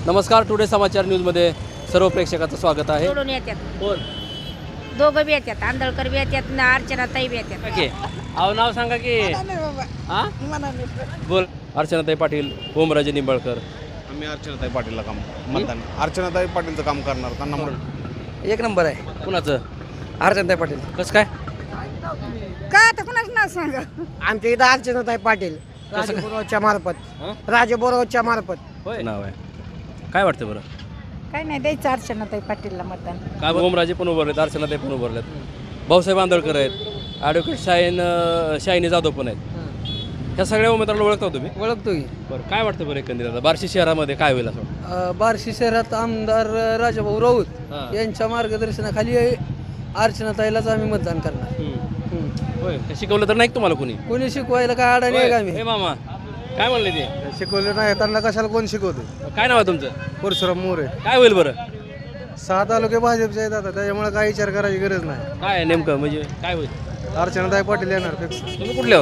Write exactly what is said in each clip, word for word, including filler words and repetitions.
नमस्कार, टुडे समाचार न्यूजमध्ये सर्व प्रेक्षकाचं स्वागत आहे. सोडून येतात कोण? दोघं बी येतात, आंधळकर बी येतात ना अर्चनाताई बी येतात. ओके, अहो नाव सांगा की. हा बोल. अर्चनाताई पाटील, ओमराजे निंबाळकर. आम्ही अर्चनाताई पाटीलला काम मतदान अर्चनाताई पाटीलचं काम करणार त्यांना म्हणून एक नंबर आहे कुणाचं? अर्चनाताई पाटील. कसं काय? का आता कुणाच नाव सांगा. आमच्या इथं अर्चनाताई पाटील राजे बोरावच्या मार्फत हं? राजे बोरावच्या मार्फत होय नाव आहे. काय वाटतं बरं? काय नाही द्यायचं अर्चनाताई पाटीलला मतदान. काय ओमराजे पण उभारलेत, अर्चनाताई पण उभारलेत, भाऊसाहेब आंदळकर आहेत, ॲडव्होकेट शाहीन शाहिनी जाधव पण आहेत. ह्या सगळ्या उमेदवाराला ओळखता तुम्ही? ओळखतो की. बरं, काय वाटतं बरं एकंदरीत आता बार्शी शहरामध्ये काय होईल असं वाटतं? अं, बार्शी शहरात आमदार राजाभाऊ राऊत हां. यांच्या मार्गदर्शनाखाली अर्चनाताईलाच आम्ही मतदान करणार. हं. होय, ते शिकवलं तर नाही का तुम्हाला कोणी? कोणी शिकवायला काय अडाणी आहे का हे आम्ही? मामा काय म्हणले ते? शिकवले नाही त्यांना कशाला कोण शिकवते. काय नाव आहे तुमचं? परशुराम मोरे. काय होईल बरं? सहा तालुके भाजपचे आहेत आता त्याच्यामुळे काही विचार करायची गरज नाही. काय आहे नेमकं म्हणजे काय होईल? अर्चनाताई पाटील येणार फिक्स. तुम्ही कुठले हो?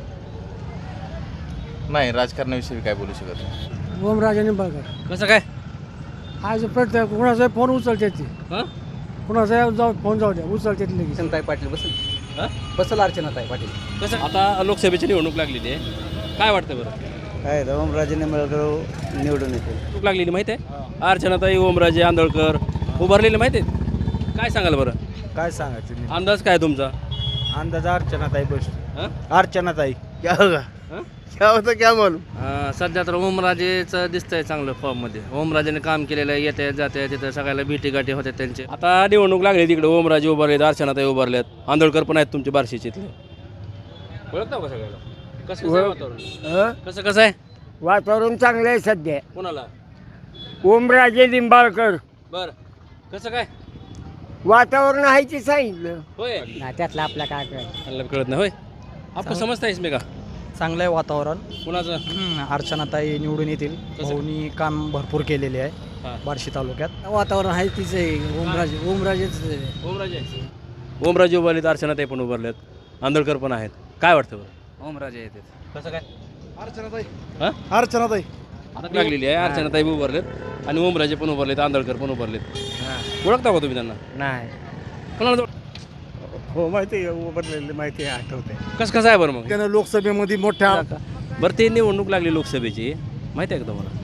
नाही, राजकारणाविषयी काय बोलू शकत नाही. ओमराजे निंबाळकर. कसं काय? आज प्रत्येक कुणाचा फोन उचलते ती हां कुणाचा जाऊ फोन जाऊ द्या उचलते लगेच. अर्चनाताई पाटील बसल हां बसल अर्चनाताई पाटील. कसं? आता लोकसभेची निवडणूक लागलेली आहे, काय वाटतं बरं? काय ओमराजे निंबाळकर निवडून येतील. निवडणूक लागलेली माहिती आहे? अर्चनाताई, ओमराजे, आंदळकर उभारलेले माहिती आहेत? काय सांगाल बरं? काय सांगायचं अंदाज काय तुमचा? अंदाज अर्चनाताई बस हां अर्चनाताई क्या होगा हां क्या होतं क्या बोलू. सध्या तर ओमराजेचं दिसतंय चांगलं फॉर्ममध्ये. ओमराजेने काम केलेलं आहे, येते जाते तिथं सगळ्याला भेटी गाठी होत्या त्यांचे. आता निवडणूक लागली तिकडे, ओमराजे उभारलेत, अर्चनाताई उभारल्यात, आंदळकर पण आहेत तुमचे बार्शीचे इथले. ओळखता का सगळ्याला? कसं कसं आहे वातावरण? कसं कसं आहे वातावरण चांगलं आहे सध्या. कोणाला? ओमराजे निंबाळकर. बरं, कसं काय? वातावरण आहे ते सांगितलं. होय, त्यातलं आपल्या काय करायचं. मला कळत नाही. होय, आपण समजता इसमे का? चांगलं आहे वातावरण. कुणाचं? अर्चनाताई निवडून येतील. भाऊनी काम भरपूर केलेले हां. आहे बार्शी तालुक्यात. वातावरण आहे तिचं आहे. ओमराजे ओमराजेच आहे. ओमराजे ओमराजे उभारलेत, अर्चनाताई पण उभारलेत, आंदळकर पण आहेत. काय वाटतं बरं? ओमराजे येते. कसं काय? अर्चनाताई हां अर्चनाताई आता लागलेली आहे, अर्चनाताई उभारलेत आणि ओमराजे पण उभारलेत, आंदळकर पण उभारलेत. ओळखता का तुम्ही त्यांना? नाही. कोणाला? हो माहिती आहे उभारलेली माहिती आहे आठवते. कसं कसं आहे बरं मग? त्यानं लोकसभेमध्ये मोठ्या बरं, ते निवडणूक लागली लोकसभेची, माहिती आहे का तुम्हाला?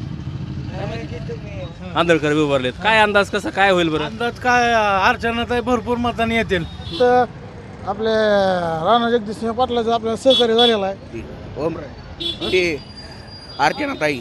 आंदळकर बी उभारलेत. काय अंदाज कसं काय होईल बरं? अंदाज काय अर्चनाताई भरपूर मतांनी येतील. तर आपले राणा जगदीशसिंह पाटलाचं आपल्याला सहकार्य झालेलं आहे. अर्चनाताई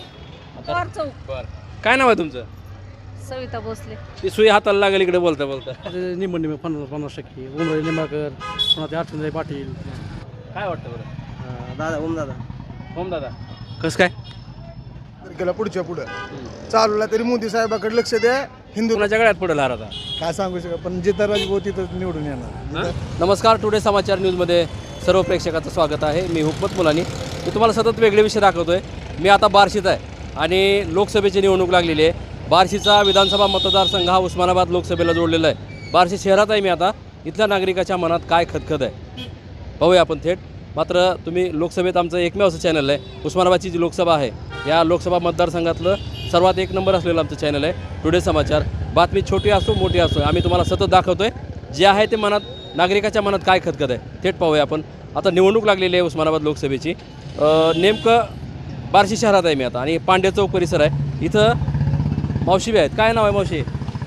काय नाव आहे तुमचं? सविता भोसले. ती सुई हाताला लागेल इकडे बोलता बोलता. निंबळ निंबळ पन्नास पन्नास टक्के. ओमराजे निंबाळकर, पुन्हा ते अर्चनाताई पाटील. काय वाटतं बरं? दादा ओम दादा ओम दादा कसं काय? गेला पुढच्या पुढं चालूला तरी मोदी साहेबाकडे लक्ष द्या. हिंदू कुणाच्या गळ्यात पडेल हार आता? काय सांगू शकत पण जिथं राजभाऊ तिथं निवडून येणार. नमस्कार, टुडे समाचार न्यूजमध्ये सर्व प्रेक्षकाचं स्वागत आहे. मी हुकमत मुलानी. मी तुम्हाला सतत वेगळे विषय दाखवतो आहे. मी आता बार्शीत आहे आणि लोकसभेची निवडणूक लागलेली आहे. बार्शीचा विधानसभा मतदारसंघ हा उस्मानाबाद लोकसभेला जोडलेला आहे. बार्शी शहरात आहे मी आता. इथल्या नागरिकाच्या मनात काय खदखद आहे पाहूया आपण थेट. मात्र तुम्ही लोकसभेत आमचं एकमेव असं चॅनल आहे. उस्मानाबादची जी लोकसभा आहे या लोकसभा मतदारसंघातलं सर्वात एक नंबर असलेलं आमचं चॅनल आहे टुडे समाचार. बातमी छोटी असो मोठी असो आम्ही तुम्हाला सतत दाखवतो आहे जे आहे ते मनात नागरिकाच्या मनात काय खदखद आहे थेट पाहूया आपण. आता निवडणूक लागलेली आहे उस्मानाबाद लोकसभेची. नेमकं बार्शी शहरात आहे मी आता आणि पांड्या चौक परिसर आहे. इथं मावशी बी आहेत. काय नाव आहे मावशी?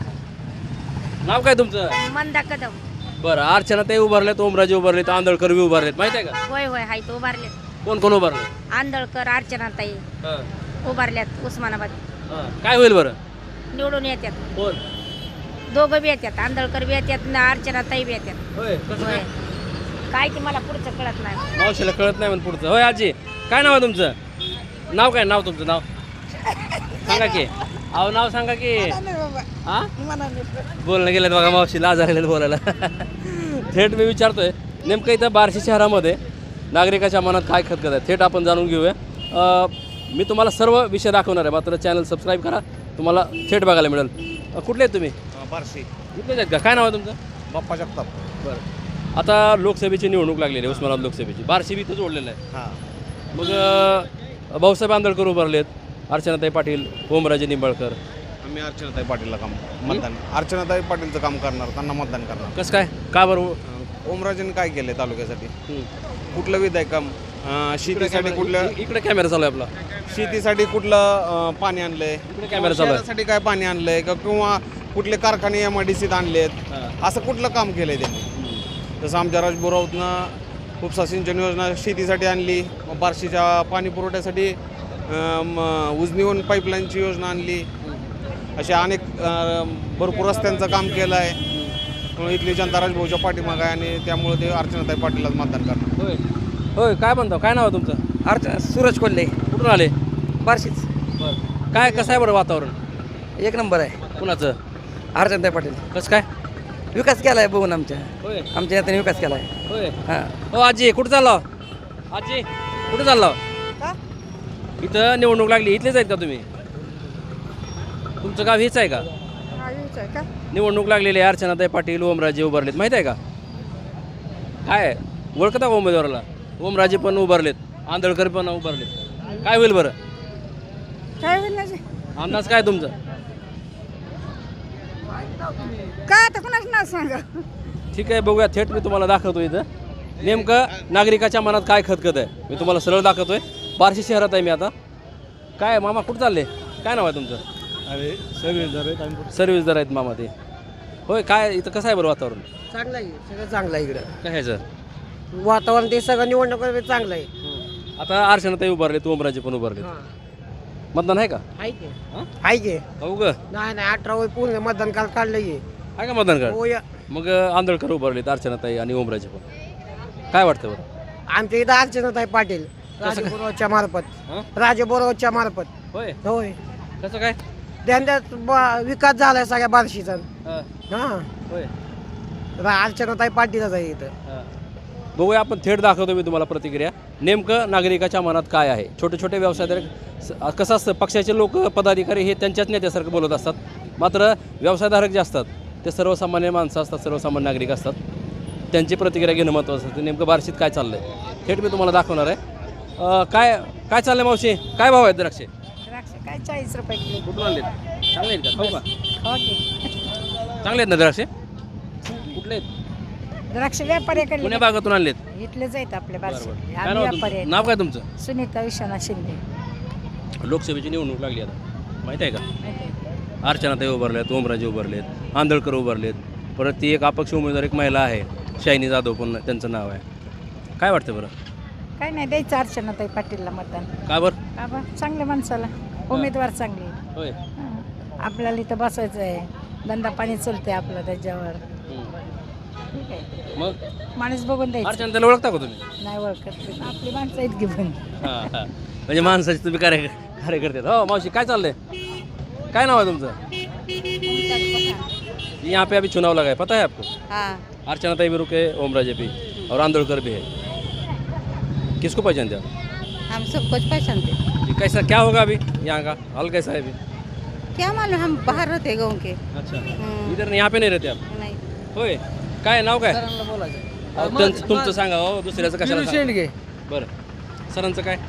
नाव काय तुमचं? मंदा कदम. बरं, अर्चनाताई उभारलेत, ओमराजे उभारलेत, आंदळकर बी उभारलेत, माहिती आहे का? होय होय हाय तो उभारल्यात. कोण कोण उभारले? आंधळकर अर्चनाताई उभारल्यात उस्मानाबाद. काय होईल बरं? निवडून येतात. कोण? दोघं बी येतात, आंधळकर बी येतात ना अर्चनाताई बी येतात. होय, कसं होय. काय? काय ते मला पुढचं कळत नाही. मावशीला कळत नाही म्हणून पुढचं. होय आजी, काय नाव आहे तुमचं? नाव काय? नाव तुमचं नाव सांगा की. अहो नाव सांगा की. हां बोलणं गेलं बघा, मावशी लाज आलेलं बोलायला. थेट मी विचारतोय नेमकं इथं बार्शी शहरामध्ये नागरिकाच्या मनात काय खदखद आहे थेट आपण जाणून घेऊया. मी तुम्हाला सर्व विषय दाखवणार आहे, मात्र चॅनल सबस्क्राईब करा, तुम्हाला थेट बघायला मिळेल. कुठले आहेत तुम्ही? बार्शी इथलेच आहेत का? काय नाव आहे तुमचं? बाप्पा जगताप. बरं, आता लोकसभेची निवडणूक लागलेली आहे उस्मानाबाद लोकसभेची. बार्शी बी इथं जोडलेलं आहे. हां मग भाऊसाहेब आंदळकर उभारलेत, अर्चनाताई पाटील, ओमराजे निंबाळकर. आम्ही अर्चनाताई पाटीलला काम मतदान अर्चनाताई पाटीलचं काम करणार, त्यांना मतदान करणार. कसं काय, का बरं? ओमराजेने काय केलंय तालुक्यासाठी? कुठलं विधायक काम? अं, शेतीसाठी कुठलं इकडे कॅमेरा चालू आहे आपला. शेतीसाठी कुठलं अं, पाणी आणलंय? कॅमेरा चालू आहे. शहरासाठी काय पाणी आणलंय का किंवा कुठले कारखाने एम आय डी सीत आणलेत? असं कुठलं काम केलंय त्यांनी? जसं आमच्या राजबुरावतनं उपसा सिंचन योजना शेतीसाठी आणली, मग बार्शीच्या पाणी पुरवठ्यासाठी अं, म- उजनीवन पाईपलाईनची योजना आणली. अशा अनेक अं, भरपूर रस्त्यांचं काम केलं आहे. म्हणून इथली जनता राजभाऊच्या पाठीमागं आहे आणि त्यामुळे ते अर्चनाताई पाटीललाच मतदान करणार. होय होय काय म्हणतो, काय नाव आहे तुमचं? अर्चना सूरज कोल्हे, कुठून आले? बार्शीच. बरं, काय कसं आहे बरं वातावरण? एक नंबर आहे. कुणाचं? अर्चनाताई पाटील कसं काय? विकास केलाय बघून आमच्या होय आमच्या नेत्याने विकास केलाय. होय. हां. हो आजी, कुठं चालला? आजी कुठं चालला? इथं निवडणूक लागली, इथलेच आहेत का तुम्ही? तुमचं गाव हेच आहे का? निवडणूक लागलेली आहे, अर्चनाताई पाटील, ओमराजे उभारलेत, माहीत आहे का? काय आहे? ओळखता का उमेदवाराला? ओमराजे पण उभारलेत, आंधळकर पण उभारलेत. काय होईल बरं? काय होईल अंदाज काय तुमचा? काय आता कुणाच नाव सांगा. ठीक आहे, बघूया. थेट मी तुम्हाला दाखवतो इथं नेमकं नागरिकाच्या मनात काय खतखत आहे. मी तुम्हाला सरळ दाखवतोय. बार्शी शहरात आहे मी आता. काय मामा कुठं चालले? काय नाव आहे तुमचं? अरे सर्व्हिसदार आहेत आम्ही. सर्व्हिसदार आहेत मामा ते. होय, काय इथं कसं आहे बरं वातावरण? चांगलं आहे, सगळं चांगलं आहे इकडं. काय ह्याचं वातावरण ते सगळं निवडणूक चांगलं आहे. आता अर्चनाताई उभारलेत, ओमराजे पण उभारलेत. मतदान आहे का? आहे की हां? आहे की हो ग, नाही नाही अठरा वय पूर्ण मतदान काल काढलं की. आहे का मतदान कार्ड? हो या. मग आंधळकर उभारलेत, अर्चनाताई आणि ओमराजे पण. काय वाटतं बरं? आमच्या इथं अर्चनाताई पाटील राजबोरच्या मार्फत हां? राजबोरच्या मार्फत होय. होय. कसं काय? त्यांच्यात ब- विकास झालाय सगळ्या बार्शीचा. हां. हां. होय. अर्चनाताई पाटीलच आहे इथं. हां. बघूया, आपण थेट दाखवतो मी तुम्हाला प्रतिक्रिया. नेमकं नागरिकाच्या मनात काय आहे. छोटे छोटे व्यवसायधारक स- कसं असतं, पक्षाचे लोक पदाधिकारी हे त्यांच्याच नेत्यासारखं बोलत असतात, मात्र व्यवसायधारक जे असतात ते सर्वसामान्य माणसं असतात, सर्वसामान्य नागरिक असतात. त्यांची प्रतिक्रिया घेणं महत्त्वाचं असतं. नेमकं बार्शीत काय चाललं आहे थेट मी तुम्हाला दाखवणार आहे. अं, काय काय चाललं मावशी? काय भाव आहेत द्राक्षे? द्राक्ष काय चाळीस रुपये किलो. कुठून आणलेत? चांगले आहेत का? खाऊ का? हो की. चांगले आहेत ना द्राक्षे? कुठले आहेत? द्राक्ष व्यापाऱ्याकडे पुण्या भागातून आणलेत? इथलेच आहेत आपले बारशे. काय आम्ही नाव व्यापारी तुमचं? आहेत. नाव काय तुमचं? सुनीता विश्वनाथ शिंदे. लोकसभेची निवडणूक लागली आता, माहिती आहे का? माहिती आहे. अर्चनाताई उभारलेत, ओमराजे उभारलेत, आंधळकर उभारलेत, परत ती एक अपक्ष उमेदवार एक महिला आहे, शायनी जाधव पण त्यांचं नाव आहे. काय वाटतं बरं? काय नाही द्यायचं अर्चनाताई पाटीलला मतदान. का बरं? का बा चांगल्या माणसाला, उमेदवार चांगले. होय. हां. आपल्याला इथं बसायचं आहे, धंदा पाणी चालतंय आपलं त्याच्यावर. ठीक आहे, मग माणूस बघून द्यायचं. अर्चनाताईला ओळखता का तुम्ही? नाही ओळखत, आपली माणसं आहेत घेऊन. हां हां, म्हणजे माणसाचे तुम्ही कार्य कार्यकर्ते आहेत. हो मावशी, काय चाललंय? काय नाव आहे तुमचं? यहाँ पे अभी चुनाव लगा है, पता है आपको? हाँ. अर्चनाताई भी रुके, ओमराजे भी और आंदोलकर भी है. किसको पहचानते आप? हम सब कुछ पहचानते हैं। जी, कैसा क्या होगा अभी यहाँ का हाल कैसा है अभी? क्या मालूम, हम बाहर रहते गाँव के। अच्छा, हम्म, इधर यहाँ पे नहीं रहते आप? नहीं। होय. काय नाव काय? अहो, त्यांचं- तुमचं सांगा हो, दुसऱ्याचं कशाला सांगा? शेंडगे. बरं, सरांचं काय?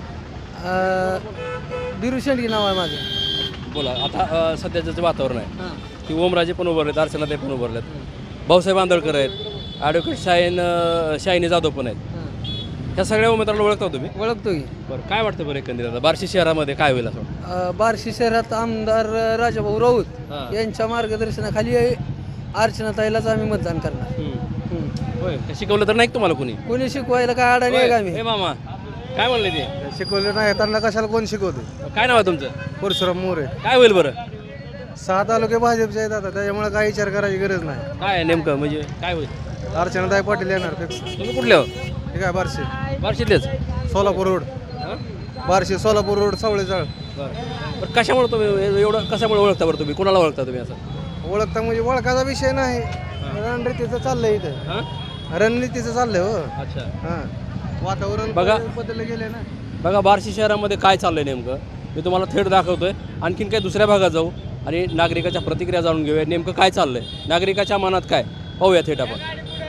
बिरू शेंडगे नाव आहे माझं. बोला. आता अ, सध्याचं जे वातावरण आहे की ओमराजे पण उभारलेत, अर्चनाताई पण उभारलेत, भाऊसाहेब आंदळकर आहेत, ॲडव्होकेट शाहीन अ, शायनी जाधव पण आहेत. ह्या सगळ्या उमेदवाराला ओळखता तुम्ही? ओळखतो की. बरं, काय वाटतं बरं एकंदरीत आता बार्शी शहरामध्ये काय होईल असं वाटतं? अ, बार्शी शहरात आमदार राजाभाऊ राऊत हां. यांच्या मार्गदर्शनाखाली अर्चनाताईलाच आम्ही मतदान करणार. हम्म. होय. का शिकवलं तर नाही का तुम्हाला कोणी? कोणी शिकवायला काय अडाणी आहे का होय. आम्ही? हे मामा काय म्हणले ते? शिकवले नाही त्यांना कशाला कोण शिकवते. काय नाव आहे तुमचं? परशुराम मोरे. काय होईल बरं? सहा तालुके भाजपचे आहेत आता, त्याच्यामुळे काय विचार करायची गरज नाही. काय आहे नेमकं, म्हणजे काय होईल? अर्चनाताई पाटील येणार फिक्स. तुम्ही कुठले हो? ठीक आहे. बार्शी बार्शीतलेच? सोलापूर रोड, हां? बार्शी सोलापूर रोड, सावळेचाळ. बरं बरं, कशामुळे तुम्ही एवढं कशामुळे ओळखता बरं तुम्ही? कोणाला ओळखता तुम्ही असं? ओळखता म्हणजे ओळखाचा विषय नाही, रणनीतीचं चाललंय इथं. हां? रणनीतीचं चाललंय हो. अच्छा. हां, वातावरण बघा. बदललं गेले ना. बघा बार्शी शहरामध्ये काय चाललंय नेमकं, मी तुम्हाला थेट दाखवतोय. आणखीन काही दुसऱ्या भागात जाऊ आणि नागरिकाच्या प्रतिक्रिया जाणून घेऊया. नेमकं काय चाललंय, नागरिकाच्या मनात काय, पाहूया थेट आपण.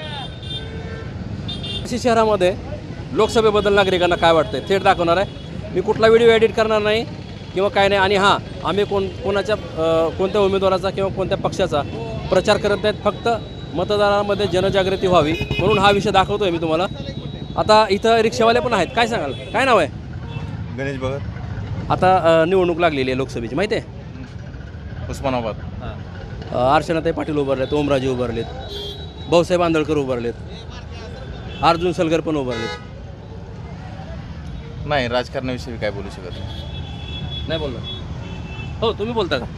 बार्शी शहरामध्ये लोकसभेबद्दल नागरिकांना काय वाटतंय थेट दाखवणार आहे. मी कुठला व्हिडिओ एडिट करणार नाही, किंवा काय नाही. आणि हां, आम्ही कोण कोणाच्या अ, कोणत्या उमेदवाराचा किंवा कोणत्या पक्षाचा प्रचार करत नाहीत, फक्त मतदारामध्ये जनजागृती व्हावी म्हणून हा विषय दाखवतो आहे मी तुम्हाला. आता इथं रिक्षावाले पण आहेत, काय सांगाल, काय नाव आहे? गणेश भगत, आता अ, निवडणूक लागलेली आहे लोकसभेची, माहिती आहे? उस्मानाबाद. अ, अर्चनाताई पाटील उभारलेत, ओमराजे उभारलेत, भाऊसाहेब आंदळकर उभारलेत, अर्जुन सलगर पण उभारलेत. नाही, राजकारणाविषयी काय बोलू शकत नाही. नाही बोलणार. हो, तुम्ही बोलता का?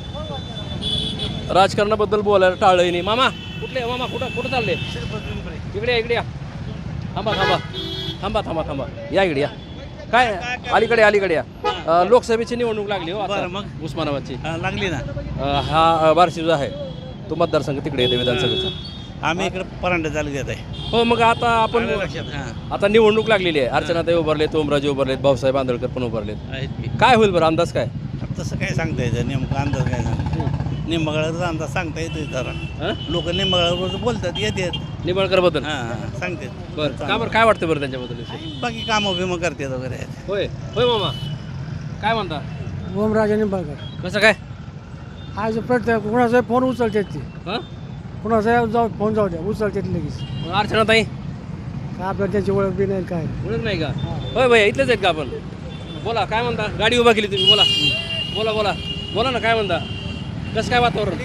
राजकारणाबद्दल बोलायला टाळलंय नाही. मामा कुठले मामा, कुठं कुठं चालले? इकडे या, इकडे या. थांबा थांबा थांबा थांबा थांबा या इकडे या. काय अलीकडे अलीकडे या. अ, लोकसभेची निवडणूक लागली हो आता मग उस्मानाबादची. लागली ना. अ, हा अ, बार्शी जो आहे तो मतदारसंघ तिकडे येते विधानसभेचा. आम्ही इकडे परांडा तालुक्यात आहे. हो, मग आता आपण आता निवडणूक लागलेली आहे. अर्चनाताई उभारलेत, ओमराजे उभारलेत, भाऊसाहेब आंदळकर पण उभारलेत. आहेत की. काय होईल बरं, अंदाज काय? तसं काय सांगता येतं, नेमकं अंदाज काय सांगता निंबगळाचा अंदाज सांगता येतो जरा. हं? लोक निंबगळावर बोलतात, येतात. निंबाळकर बद्दल हां हां सांगतात. बरं, का बरं, काय वाटतं बरं त्यांच्याबद्दल? बाकी कामं बिमं करतात वगैरे आहेत. होय होय मामा, काय म्हणता? ओमराजे निंबाळकर कसं काय? आज प्रत्येक कुणाचा फोन उचलतात ते, हं? कुणाचा जाऊ फोन जाऊ द्या उचलतात लगेच. मग अर्चनाताई काय आपल्याला त्याची ओळख बी नाही काय. ओळख नाही का? होय भैया, इथलेच आहेत का आपण? बोला, काय म्हणता? गाडी उभा केली तुम्ही, बोला बोला बोला बोला ना, काय म्हणता? कसं काय वातावरण?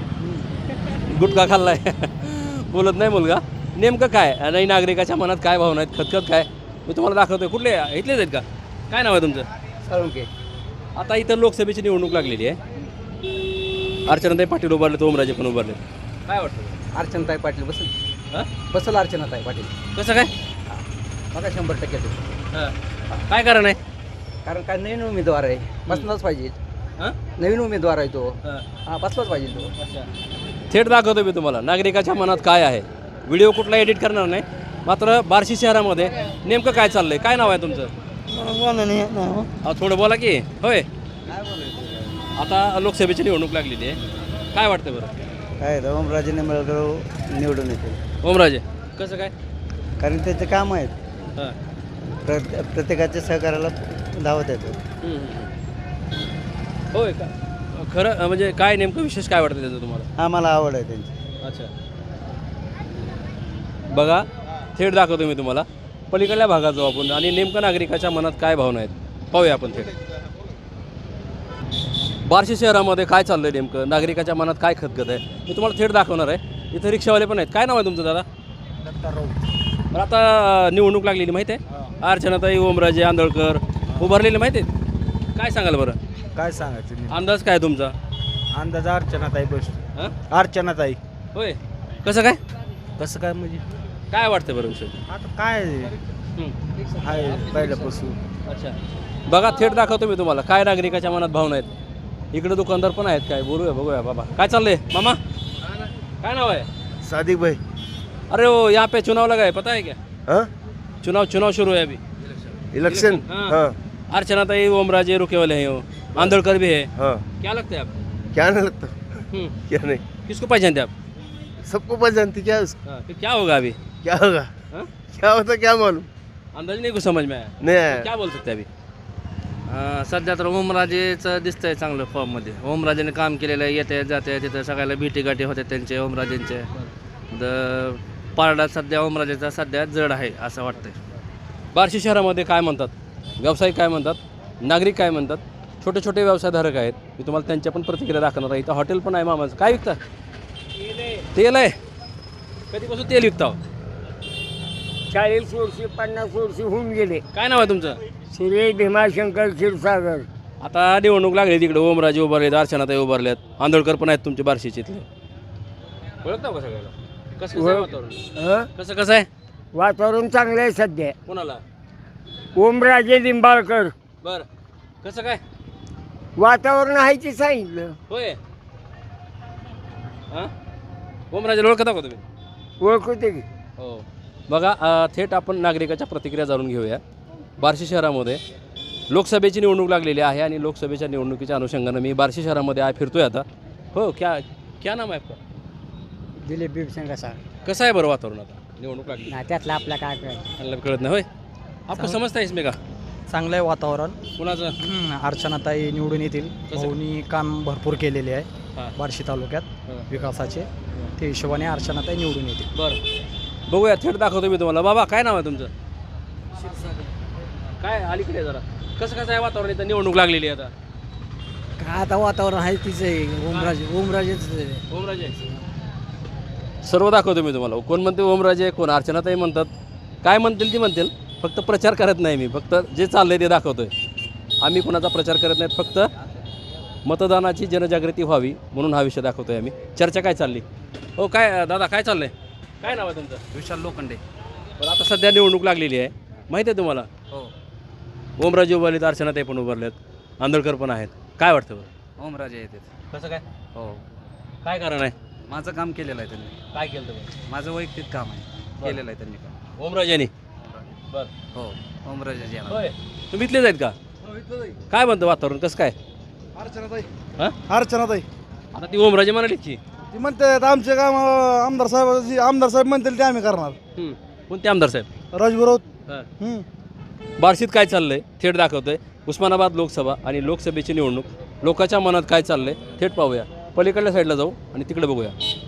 गुटखा खाल्लाय बोलत नाही मुलगा. नेमकं काय आणि नागरिकाच्या मनात काय भावना आहेत, खतखत काय, मी तुम्हाला दाखवतोय. कुठले इथलेच आहेत का? काय नाव आहे तुमचं? साळुंके. आता इथं लोकसभेची निवडणूक लागलेली आहे. अर्चनाताई पाटील उभारले, ओमराजे पण उभारले. काय वाटतं? अर्चनाताई पाटील बसल हां, बसल अर्चनाताई पाटील कसं काय? बघा शंभर टक्के ते. हां, काय कारण आहे? कारण काय नवीन उमेदवार आहे, बसलाच पाहिजे. हां नवीन उमेदवार आहे तो, हां, हा बसलाच पाहिजे तो. अच्छा. थेट दाखवतो मी तुम्हाला नागरिकाच्या मनात काय आहे. व्हिडिओ कुठला एडिट करणार नाही. मात्र बार्शी शहरामध्ये नेमकं काय चाललंय? काय नाव आहे तुमचं? अहो, थोडं बोला की. होय, आता लोकसभेची निवडणूक लागलेली आहे, काय वाटतं बरं? काय ओमराजे निंबाळकर निवडून येते, ओमराजे कसं काय? कारण त्याचे काम आहेत. हां, प्र प्रत्येकाच्या सहकार्याला धावत येतो. हम्म, हम्म. होय का? खरं अं, म्हणजे काय नेमकं विशेष काय वाटतं त्याचं तुम्हाला? आम्हाला आवड आहे त्यांची. अच्छा, बघा थेट दाखवतो मी तुम्हाला. पलीकडल्या भागात जाऊ आपण आणि नेमकं नागरिकाच्या मनात काय भावना आहेत पाहूया आपण थेट. बार्शी शहरामध्ये काय चाललं आहे नेमकं, नागरिकाच्या मनात काय खतखत आहे, मी तुम्हाला थेट दाखवणार आहे. इथं रिक्षावाले पण आहेत. काय नाव आहे तुमचं दादा? बरं, आता निवडणूक लागलेली माहिती आहे. अर्चनाताई, ओमराजे आंदळकर उभारलेले माहिती आहेत. काय सांगाल बरं, काय सांगायचं अंदाज काय तुमचा? अंदाज अर्चनाताई बस हां, अर्चनाताई. होय, कसं काय? कसं काय म्हणजे काय वाटतं बरं विषय? आता काय हं. आहे पहिल्यापासून. अच्छा, बघा थेट दाखवतो मी तुम्हाला काय नागरिकाच्या मनात भावना आहेत. इकडे दुकानदार पण आहेत, काय बोलूया बघूया. बाबा काय चाललंय मामा, काय नाव आहे? सादिक भाई. अरे वो यहाँ पे चुनाव लगा है, पता है क्या? हाँ चुनाव चुनाव शुरू है अभी, इलेक्शन. हाँ। हाँ अर्चनाताई, ओमराजे रुके वाले हैं, वो आंदोलकर भी है. हाँ क्या लगता है आप? क्या नहीं लगता, हम्म, क्या नहीं, किसको पहचानते आप? सबको पता जानती क्या उसको, हाँ, फिर क्या होगा अभी? क्या होगा, हाँ? क्या होता क्या मालूम. अंदाज नहीं कुछ समझ में आया. नहीं आया. क्या बोल सकते हैं अभी? अं, सध्या तर ओमराजेचं दिसतंय चांगलं फॉर्ममध्ये. ओमराजेने काम केलेलं आहे, येते जाते तिथं सगळ्याला भेटीगाठी होते त्यांचे ओमराजेंचे. द पारडा सध्या ओमराजेचा सध्या जड आहे असं वाटतंय. बार्शी शहरामध्ये काय म्हणतात, व्यावसायिक काय म्हणतात, नागरिक काय म्हणतात, छोटे छोटे व्यवसायधारक आहेत, मी तुम्हाला त्यांच्या पण प्रतिक्रिया दाखवणार आहे. इथं हॉटेल पण आहे मामाचं. काय विकता? तेल आहे. कधीपासून तेल विकता? चाळीस वर्षी पन्नास वर्षी होऊन गेले. काय नाव आहे तुमचं? श्री भीमाशंकर क्षीरसागर. आता निवडणूक लागली तिकडे, ओमराजे उभारलेत, अर्चनाताई उभारल्यात, आंदोलकर पण आहेत तुमचे बार्शीचे इथले. ओळखता का सगळ्याला? कसं कसं आहे वातावरण? हं? कसं कसं आहे? वातावरण चांगलं आहे सध्या. कोणाला? ओमराजे लिंबाळकर. बरं, कसं काय? वातावरण आहे ते सांगितलं. होय. हां, ओमराजे ओळखता का तुम्ही? ओळखते की. हो, बघा अ, थेट आपण नागरिकाच्या प्रतिक्रिया जाणून घेऊया. बार्शी शहरामध्ये लोकसभेची निवडणूक लागलेली आहे आणि लोकसभेच्या निवडणुकीच्या अनुषंगानं मी बार्शी शहरामध्ये आहे, फिरतोय आता. हो, क्या क्या नाम आहे आपका? दिलीप भीमशंकर साहेब. कसं आहे बरं वातावरण आता? निवडणूक लागली, ना त्यातलं आपला काय करायचं. आपल्याला कळत नाही. होय, आपको समजता है इसमें का? चांगलं आहे वातावरण. कुणाचं? हम्म, अर्चनाताई निवडून येतील. भाऊनी काम भरपूर केलेले आहे हां. बार्शी तालुक्यात हां. विकासाचे. ते हिशोबाने अर्चनाताई निवडून येतील. बरं बघूया, थेट दाखवतो मी तुम्हाला. बाबा काय नाव आहे तुमचं? काय अलीकडे आहे जरा. कसं कसं आहे वातावरण इथं? निवडणूक लागलेली आहे आता. काय आता वातावरण आहे तिचं आहे ओमराजे ओमराजेच ओमराजे सर्व दाखवतो मी तुम्हाला. कोण म्हणते ओमराजे, कोण अर्चनाताई म्हणतात. काय म्हणतील ती म्हणतील, फक्त प्रचार करत नाही मी. फक्त जे चाललंय ते दाखवतोय. आम्ही कोणाचा प्रचार करत नाहीत. फक्त मतदानाची जनजागृती व्हावी म्हणून हा विषय दाखवतोय आम्ही. चर्चा काय चालली? हो काय दादा काय चाललंय? काय नाव आहे तुमचं? विशाल लोखंडे. पण आता सध्या निवडणूक लागलेली आहे, माहिती आहे तुम्हाला? हो. ओमराजे उभारलेत, अर्चनाताई पण उभारलेत, आंदळकर पण आहेत. काय वाटतं बरं? ओमराजे येतात. कसं काय? हो. काय कारण आहे? माझं काम केलेलं आहे त्यांनी. काय केलं तुम्ही? माझं वैयक्तिक काम आहे, केलेलं आहे त्यांनी काम. ओमराजेनी. बरं हो, ओमराजे येणार. होय, तुम्ही इथलेच आहेत का? काय म्हणतं वातावरण कसं काय? अर्चनाताई हां, अर्चनाताई आता ती ओमराजे म्हणाली की ती म्हणते आमचे काम आमदार साहेब आमदार साहेब म्हणतील ते आम्ही करणार. कोणते आमदार साहेब? राजभराव. हां. बार्शीत काय चाललंय थेट दाखवतोय. उस्मानाबाद लोकसभा आणि लोकसभेची निवडणूक. लोकांच्या मनात काय चाललंय थेट पाहूया. पलीकडल्या साईडला जाऊ आणि तिकडे बघूया.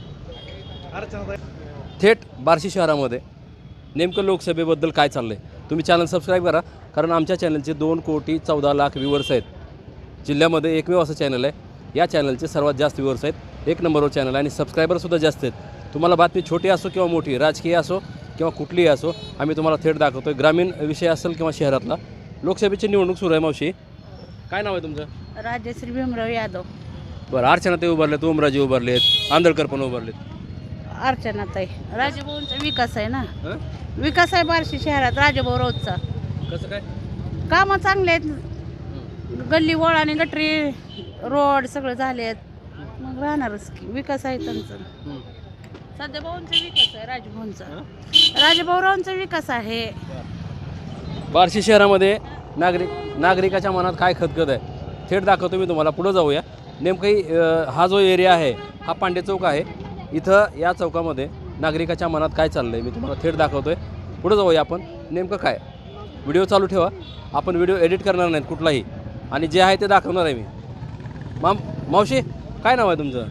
अर्चनाताई थेट बार्शी शहरामध्ये नेमकं लोकसभेबद्दल काय चाललंय. तुम्ही चॅनल सबस्क्राईब करा, कारण आमच्या चॅनलचे दोन कोटी चौदा लाख व्ह्यूवर्स आहेत. जिल्ह्यामध्ये एकमेव असं चॅनल आहे. या चॅनलचे सर्वात जास्त व्ह्यूवर्स आहेत. एक नंबरवर चॅनल आहे आणि सबस्क्रायबरसुद्धा जास्त आहेत. तुम्हाला बातमी छोटी असो किंवा मोठी, राजकीय असो किंवा कुठलीही असो, आम्ही तुम्हाला थेट दाखवतो आहे. ग्रामीण विषय असेल किंवा शहरातला. लोकसभेची निवडणूक सुरू आहे. मावशी काय नाव आहे तुमचं? राजश्री भीमराव यादव. बरं, अर्चनाताई उभारलेत, ओमराजे उभारलेत, आंदळकर पण उभारलेत. अर्चनाताई. राजभाऊंचा विकास आहे ना, हं? विकास आहे बार्शी शहरात राजभाऊ रोजचा. कसं काय? कामं चांगले आहेत. गल्ली वळ आणि गटरी रोड सगळं झालेत. मग राहणारच की विकास आहे त्यांचा. सध्या भाऊंचा विकास आहे, राजभाऊंचा. राजभाऊरावांचा विकास आहे. बार्शी शहरामध्ये नागरिक नागरिकाच्या मनात काय खतखत आहे थेट दाखवतो मी तुम्हाला. पुढं जाऊया. नेमकं अ, हा जो एरिया आहे हा पांडे चौक आहे. इथं या चौकामध्ये नागरिकाच्या मनात काय चाललं आहे मी तुम्हाला थेट दाखवतो आहे. पुढं जाऊया आपण. नेमकं काय, व्हिडिओ चालू ठेवा. आपण व्हिडिओ एडिट करणार नाहीत कुठलाही, आणि जे आहे ते दाखवणार आहे मी. माम मावशी काय नाव आहे तुमचं?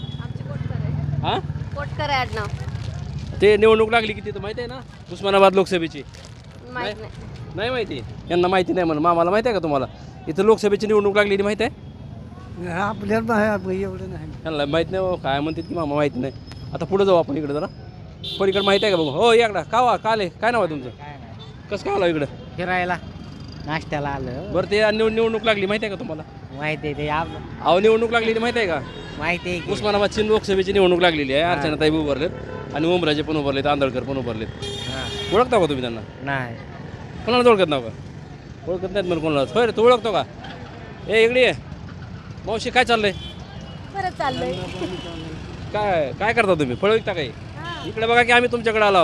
हां, कोटकर आहे आडनाव. ते निवडणूक लागली की तिथं माहिती आहे ना उस्मानाबाद लोकसभेची? माहित नाही. नाही माहिती? यांना माहिती नाही म्हणून. मामाला माहिती आहे का तुम्हाला? इथं लोकसभेची निवडणूक लागलेली माहिती आहे? आपल्याला एवढं नाही. यांना माहीत नाही. हो काय म्हणतात की मामा माहिती नाही. आता पुढे जाऊ आपण इकडे जरा. पलीकडे माहिती आहे का बघू? हो याकडा का वा काले काय नाव आहे तुमचं? कसं काय आलं इकडं फिरायला नाश्त्याला आलं. बरं, ते निवड निवडणूक लागली माहिती आहे का तुम्हाला? माहिती आहे ते अहो, निवडणूक लागलेली माहिती आहे का? माहिती आहे. उस्मानाबादची लोकसभेची निवडणूक लागलेली आहे. अर्चनाताई उभारलेत आणि ओमराजे पण उभारलेत, आंदळकर पण उभारलेत. ओळखता का तुम्ही त्यांना? नाही. कोणाला ओळखत नाव का? ओळखत नाहीत मला कोणाला. होय रे, तू ओळखतो का? ए इकडे ये. मावशी काय चाललंय? बरं चाललंय. काय काय करता तुम्ही? फळ विकता काही? इकडे बघा की आम्ही तुमच्याकडे आलो.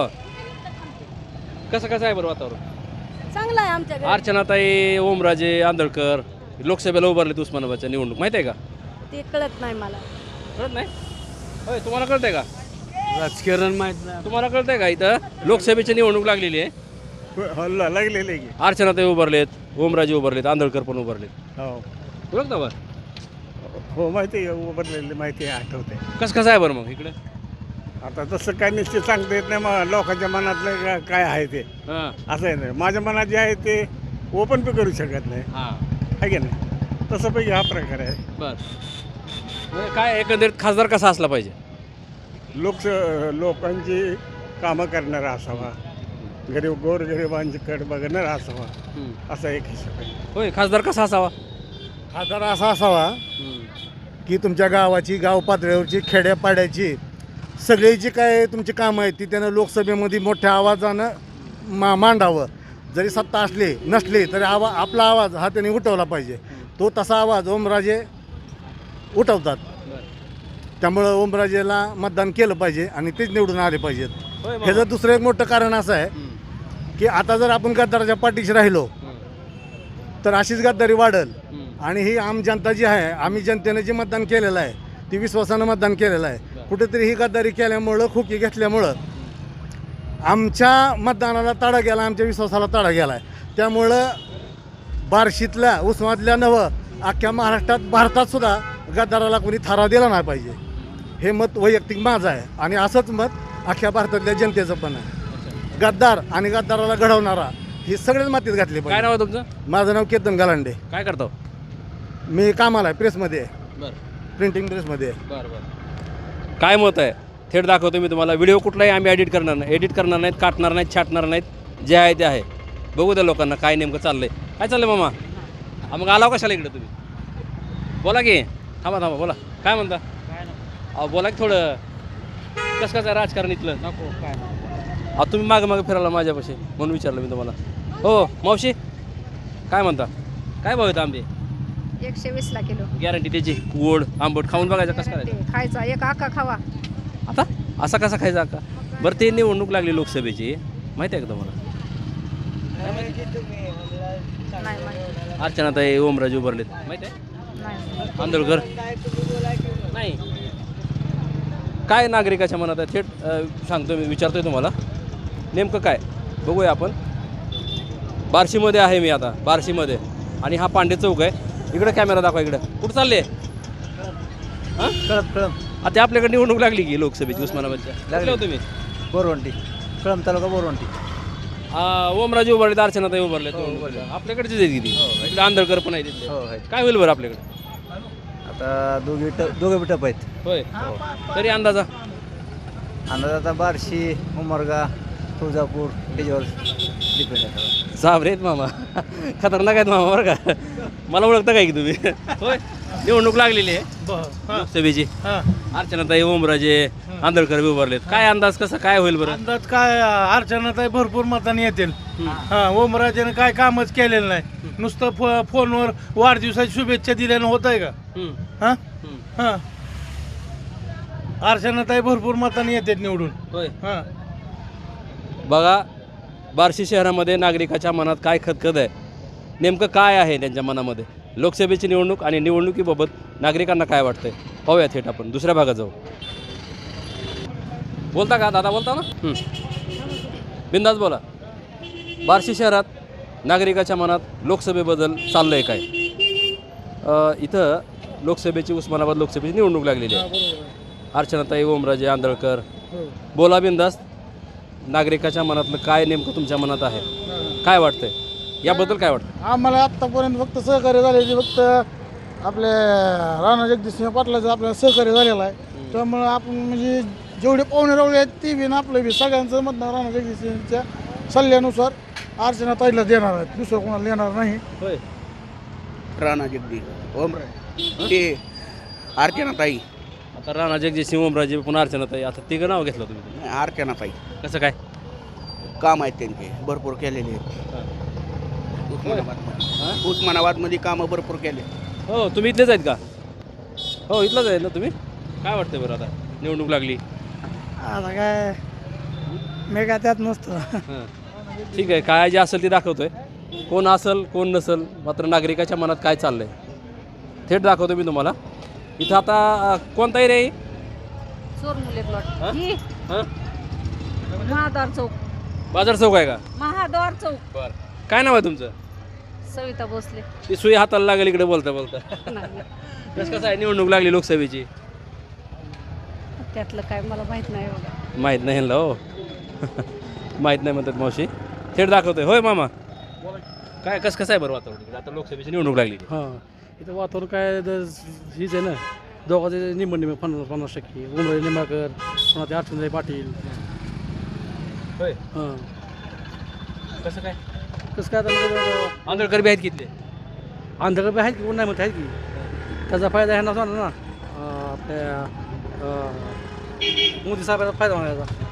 कसं कसं आहे बरं वातावरण? चांगलं आहे आमच्याकडे. अर्चनाताई, ओमराजे, आंदळकर लोकसभेला उभारलेत उस्मानाबादच्या निवडणूक. माहिती आहे का? ते कळत नाही मला. कळत नाही? होय, तुम्हाला कळतंय का? राजकारण माहीत नाही. तुम्हाला कळतंय का? इथं लोकसभेची निवडणूक लागलेली आहे. लागलेले की. अर्चनाताई उभारलेत, ओमराजे उभारलेत, आंदळकर पण उभारलेत. हो ओळखता बरं? हो माहिती आहे. उभारलेली माहिती आहे, आठवते. कसं कसं आहे बरं मग इकडे? आता तसं काय निश्चित सांगता येत नाही. मग लोकांच्या मनातलं का- काय आहे ते हां असं आहे नाही. माझ्या मनात जे आहे ते ओपन पे करू शकत नाही, हां आहे की नाही? तसं पैकी हा प्रकार आहे. बरं. म्हणजे काय एकंदरीत खासदार कसा असला पाहिजे? लोक लोकांची कामं करणारा असावा, गरीब गोरगरिबांकडे बघणारा असावा, असा एक हिशोब आहे. होय, खासदार कसा असावा? खासदार असा असावा की तुमच्या गावाची, गाव पातळीवरची, खेड्यापाड्याची सगळी जी काय तुमची कामं आहेत ती त्यानं लोकसभेमध्ये मोठ्या आवाजानं मा मांडावं. जरी सत्ता असली नसली तरी आवा आपला आवाज हा त्यांनी उठवला पाहिजे. तो तसा आवाज ओमराजे उठवतात. त्यामुळं ओमराजेला मतदान केलं पाहिजे आणि तेच निवडून आले पाहिजेत. ह्याचं दुसरं एक मोठं कारण असं आहे की आता जर आपण गद्दाराच्या पाठीशी राहिलो तर अशीच गद्दारी वाढेल. आणि ही आम जनता जी आहे, आम्ही जनतेने जे मतदान केलेलं आहे ती विश्वासानं मतदान केलेलं आहे. कुठेतरी ही गद्दारी केल्यामुळं, खुकी घेतल्यामुळं आमच्या मतदानाला तडा गेला, आमच्या विश्वासाला तडा गेला आहे. त्यामुळं बार्शीतल्या उस्मातल्या नवं अख्ख्या महाराष्ट्रात भारतात सुद्धा गद्दाराला कोणी थारा दिला नाही पाहिजे. हे मत वैयक्तिक माझं आहे आणि असंच मत अख्ख्या भारतातल्या जनतेचं पण आहे. गद्दार आणि गद्दाराला घडवणारा हे सगळेच मातीत घातले काय पाहिजे. नाव आहे तुमचं? माझं नाव केतन गालांडे. काय करतो? मी कामाला आहे, प्रेसमध्ये आहे, बरं प्रिंटिंग प्रेसमध्ये आहे. बरं बरं काय मत आहे थेट दाखवतो मी तुम्हाला. व्हिडिओ कुठलाही आम्ही एडिट करणार नाही, एडिट करणार नाहीत, काटणार नाहीत, छाटणार नाहीत. जे आहे ते आहे. बघू द्या लोकांना काय नेमकं चाललंय. काय चाललंय मामा? हा, मग आलाव कशाला इकडे तुम्ही? बोला की. थांबा थांबा बोला. काय म्हणता? अहो बोला की थोडं. कसं कसं आहे राजकारण इथलं? नको काय अहो तुम्ही मागं मागं फिरायला माझ्यापाशी म्हणून विचारलं मी तुम्हाला. हो मावशी काय म्हणता? काय भाव आहेत आंबे? एकशे वीस ला किलो गॅरंटी त्याची. गोड आंबट खाऊन बघायचं कसं करायचं खायचा एक आका खावा. आता असा कसा खायचा का? बरं ते निवडणूक लागली लोकसभेची माहिती आहे का तुम्हाला? अर्चनाताई ओमराजे उभारलेत माहिती आहे? आंदोलकर नाही. काय नागरिकाच्या मनात आहे थेट अ, सांगतो मी, विचारतोय तुम्हाला नेमकं काय. बघूया आपण. बार्शीमध्ये आहे मी आता, बार्शीमध्ये. आणि हा पांडे चौक आहे. इकडं कॅमेरा दाखवा. इकडं कुठं चालले? हां कळम कळम आता आपल्याकडे निवडणूक लागली की लोकसभेची उस्मानाबादच्या. लागले होते मी बोरवंटी कळम तालुका बोरवंटी. ओमराजे उभारले, अर्चनाताई उभारले. आपल्याकडचेच आहेत किती. इकडे आंधळकर पण आहे तिथले. हो आहेत. काय होईल बरं आपल्याकडे? आता दोघे ट दोघे टप आहेत. होय तरी अंदाजा? अंदाज आता बार्शी, उमरगा, तुळजापूर त्याच्यावर डिपेंड आहे. साबरे आहेत मामा. खतरनाक आहेत मामा बरं का. मला ओळखता काय की तुम्ही? होय निवडणूक लागलेली आहे लोकसभेची. अर्चनाताई ओमराजे आंधळकर बी उभारलेत. काय अंदाज कसा काय होईल बरं? अंदाज काय अर्चनाताई भरपूर मतांनी येतील. हा ओमराजेने काय कामच केलेलं नाही. नुसतं फो फोनवर वाढदिवसाची शुभेच्छा दिल्यानं होत आहे का? हा हा अर्चनाताई भरपूर मतांनी येतात निवडून. होय हा बघा बार्शी शहरामध्ये नागरिकाच्या मनात काय खतखत आहे, नेमकं काय आहे त्यांच्या मनामध्ये. लोकसभेची निवडणूक आणि निवडणुकीबाबत नागरिकांना काय वाटतंय पाहूया थेट आपण दुसऱ्या भागात जाऊ. बोलता का दादा? बोलता ना? बिंदास बोला. बार्शी शहरात नागरिकाच्या मनात लोकसभेबद्दल चाललंय काय? अ, इथं लोकसभेची उस्मानाबाद लोकसभेची निवडणूक लागलेली आहे. अर्चनाताई ओमराजे आंधळकर. बोला बिंदास. नागरिकाच्या मनातलं काय नेमकं तुमच्या मनात आहे? काय वाटतंय याबद्दल? काय वाटतं? आम्हाला आत्तापर्यंत फक्त सहकार्य झाले फक्त आपले राणा जगदीशसिंह पाटलाचं आपल्याला सहकार्य झालेलं आहे. त्यामुळं आपण म्हणजे जेवढे पाहुणे रावळे आहेत ते बी ना आपलं बी सगळ्यांचं मतदान राणा जगदीशसिंहच्या सल्ल्यानुसार अर्चनाताईला देणार आहेत. दुसरं कोणाला देणार नाही. होय राणा जगदीश ओमराजे ते अर्चनाताई. आता राणा जगदीशसिंह ओमराजे पुन्हा अर्चनाताई. आता तिघं नाव घेतलं तुम्ही. अर्चनाताई कसं काय? काम आहेत त्यांचे भरपूर केलेले आहेत. उस्मानाबाद उस्मानाबादमध्ये कामं भरपूर केले. हो तुम्ही इथलेच आहेत का? हो इथलंच आहे ना तुम्ही. काय वाटतं बरं आता निवडणूक लागली? आता काय मी काय त्यात नसतो. हां ठीक आहे. काय जे असेल ते दाखवतोय. कोण असेल कोण नसेल मात्र नागरिकाच्या मनात काय चाललंय थेट दाखवतो मी तुम्हाला. इथं आता कोणताही रे चोरमुले हां? प्लॉट हां महाद्वार चौक. बाजार चौक आहे का? महाद्वार चौक. बरं काय नाव आहे तुमचं? सविता भोसले. ती सुई हाताला लागेल इकडे बोलता बोलता. कसं कसं आहे निवडणूक लागली लोकसभेची? त्यातलं काय मला माहित नाही बघा. माहीत नाही ह्यांना. हो माहीत नाही म्हणतात मावशी. थेट दाखवतोय. होय मामा काय कसं कसं आहे बरं वातावरण? आता लोकसभेची निवडणूक लागली. हां इथं वातावरण काय द- हीच आहे ना दोघांचे निम्म निम्म पन्नास पन्नास टक्के. उमराजे निंबाळकर पुन्हा ते अर्चनाताई पाटील. होय हां कसं काय? कसं काय आता आंधळकर बी आहेत कितले? आंध्रकडे बी आहेत की कोण नाही म्हणत आहेत की. त्याचा फायदा ह्यांना होणार ना अं, आपल्या अं, मोदी साहेबांचा फायदा होणार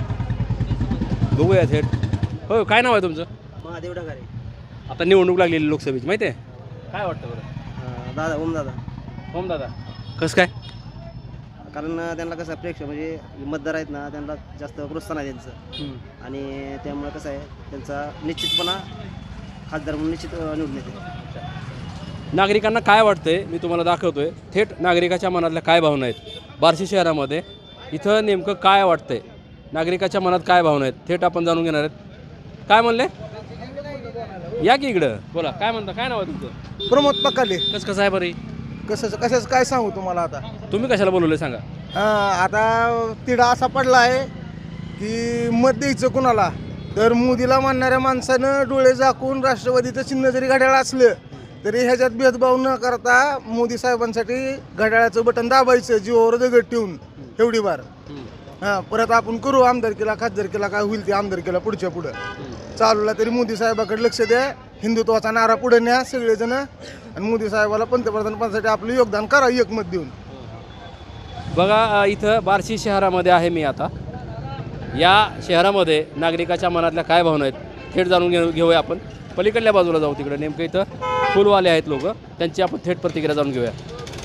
याचा. बघूया थेट. हो काय नाव आहे तुमचं? महादेव डगारे. आता निवडणूक लागलेली लोकसभेची माहिती आहे? काय वाटतं बरं? दादा ओम दादा. होम दादा कसं काय? कारण त्यांना कसं प्रेक्षक म्हणजे मतदार आहेत ना त्यांना जास्त प्रोत्साहन आहे त्यांचं. आणि त्यामुळे कसं आहे त्यांचा निश्चितपणा खासदार म्हणून निश्चित निवडून येते. नागरिकांना काय वाटतंय मी तुम्हाला दाखवतोय थेट नागरिकाच्या मनातल्या काय भावना आहेत बार्शी शहरामध्ये. इथं नेमकं काय वाटतंय नागरिकाच्या मनात काय भावना आहेत थेट आपण जाणून घेणार आहेत. काय म्हणले? या की इकडं बोला, काय म्हणता, काय नाव आहे तुमचं? प्रमोद पकाले. कसं कसं आहे बरं? कसं कशाचं काय सांगू तुम्हाला आता. तुम्ही कशाला बोलवले सांगा. हां, आता तिढा असा पडला आहे की मत द्यायचं कुणाला, तर मोदीला मानणाऱ्या माणसानं डोळे झाकून राष्ट्रवादीचं चिन्ह जरी घड्याळ असलं तरी ह्याच्यात भेदभाव न करता मोदी साहेबांसाठी घड्याळाचं बटन दाबायचं जीवावर दगड ठेवून एवढी बार. हां, परत आपण करू आमदारकीला खासदारकीला काय होईल ते आमदारकीला पुढच्या पुढं चालूला, तरी मोदी साहेबाकडे लक्ष द्या, हिंदुत्वाचा नारा पुढे न्या सगळेजण, आणि मोदी साहेबाला पंतप्रधान पदासाठी आपलं योगदान करा एकमत देऊन. बघा अ, इथं बार्शी शहरामध्ये आहे मी आता. या शहरामध्ये नागरिकाच्या मनातल्या काय भावना आहेत थेट जाणून घेऊ घेऊया आपण. पलीकडल्या बाजूला जाऊ, तिकडे नेमकं इथं फुलवाले आहेत लोक, त्यांची आपण थेट प्रतिक्रिया जाणून घेऊया.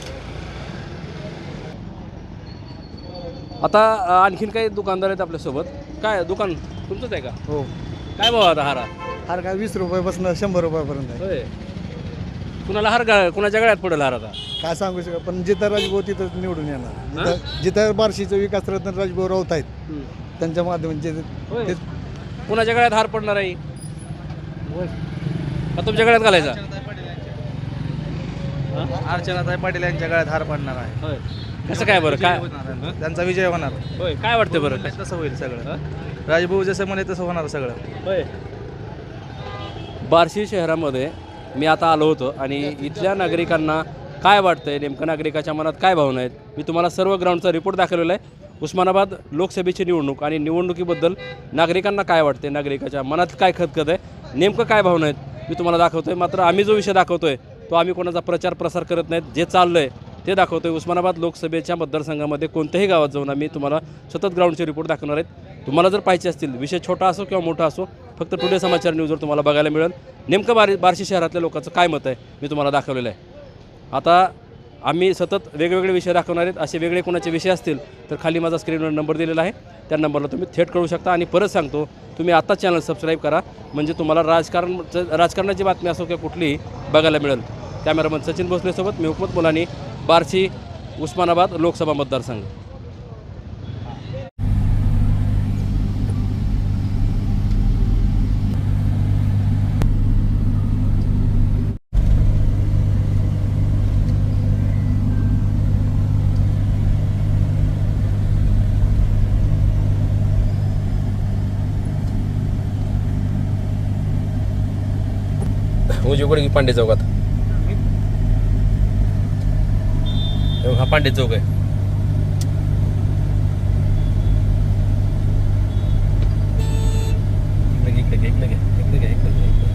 आता अ, आणखीन काही दुकानदार आहेत आपल्यासोबत. काय दुकान तुमचंच आहे का? हो. काय भाव आता हारा? हार काय वीस रुपयापासून शंभर रुपयापर्यंत आहे. होय. कुणाला हार का कुणाच्या गळ्यात पडेल हार आता? काय सांगू शकत, पण जिथं राजभाऊ तिथं निवडून येणार. जिथं जिथं बार्शीचं विकास रत्न राजभाऊ राऊत आहेत त्यांच्या माध्यमातून होय. ते कुणाच्या गळ्यात हार पडणार आहे का तुमच्या गळ्यात घालायचा? अर्चनाताई पाटील यांच्या गळ्यात हार पडणार आहे. होय. कसं काय बरं, काय त्यांचा विजय होणार. होय, काय वाटतं बरं? तसं होईल सगळं. राजभाऊ जसं म्हणे तसं होणार सगळं. होय. बार्शी शहरामध्ये मी आता आलो होतो आणि इथल्या नागरिकांना काय वाटतंय, नेमकं नागरिकाच्या मनात काय भावना आहेत, मी तुम्हाला सर्व ग्राउंडचा रिपोर्ट दाखवलेला आहे. उस्मानाबाद लोकसभेची निवडणूक आणि निवडणुकीबद्दल नागरिकांना काय वाटते, नागरिकाच्या मनात काय खतखत आहे, नेमकं काय भावना आहेत मी तुम्हाला दाखवतो आहे. मात्र आम्ही जो विषय दाखवतो आहे तो आम्ही कोणाचा प्रचार प्रसार करत नाहीत, जे चाललं आहे ते दाखवतो आहे. उस्मानाबाद लोकसभेच्या मतदारसंघामध्ये कोणत्याही गावात जाऊन आम्ही तुम्हाला सतत ग्राउंडचे रिपोर्ट दाखवणार आहेत. तुम्हाला जर पाहिजे असतील, विषय छोटा असो किंवा मोठा असो, फक्त टुडे समाचार न्यूजवर तुम्हाला बघायला मिळेल नेमकं बार बार्शी शहरातल्या लोकांचं काय मत आहे मी तुम्हाला दाखवलेलं आहे. आता आम्ही सतत वेगवेगळे विषय दाखवणार आहेत. असे वेगळे कोणाचे विषय असतील तर खाली माझा स्क्रीनवर नंबर दिलेला आहे, त्या नंबरला तुम्ही थेट कळू शकता. आणि परत सांगतो, तुम्ही आत्ताच चॅनल सबस्क्राईब करा, म्हणजे तुम्हाला राजकारण राजकारणाची बातमी असो किंवा कुठलीही बघायला मिळेल. कॅमेरामन सचिन भोसलेसोबत मी हुकमत मुलानी, बार्शी उस्मानाबाद लोकसभा मतदारसंघ. उजवीकडे पांडे चौकात, हा पांडे चौक आहे. इकडे घे, इकडे घे, इकडे घे, इकडे घे, इकडे.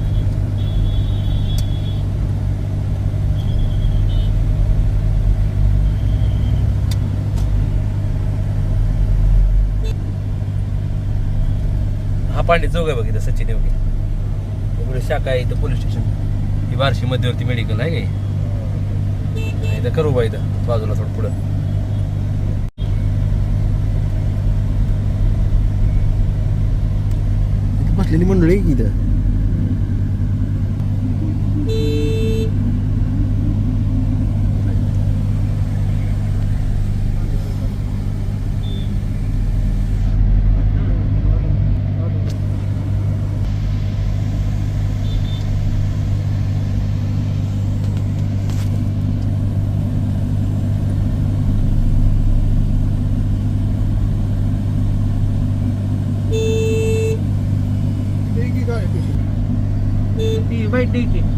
हा पांडे चौक आहे बघ, इथं सचिन योगी इकडे शाखा आहे, इथं पोलीस स्टेशन, ही बार्शी मध्यवर्ती मेडिकल आहे का, इथं करू बा, इथं बाजूला थोडं पुढं. बसलेली मंडळी इथं. ती बाईट द्यायची.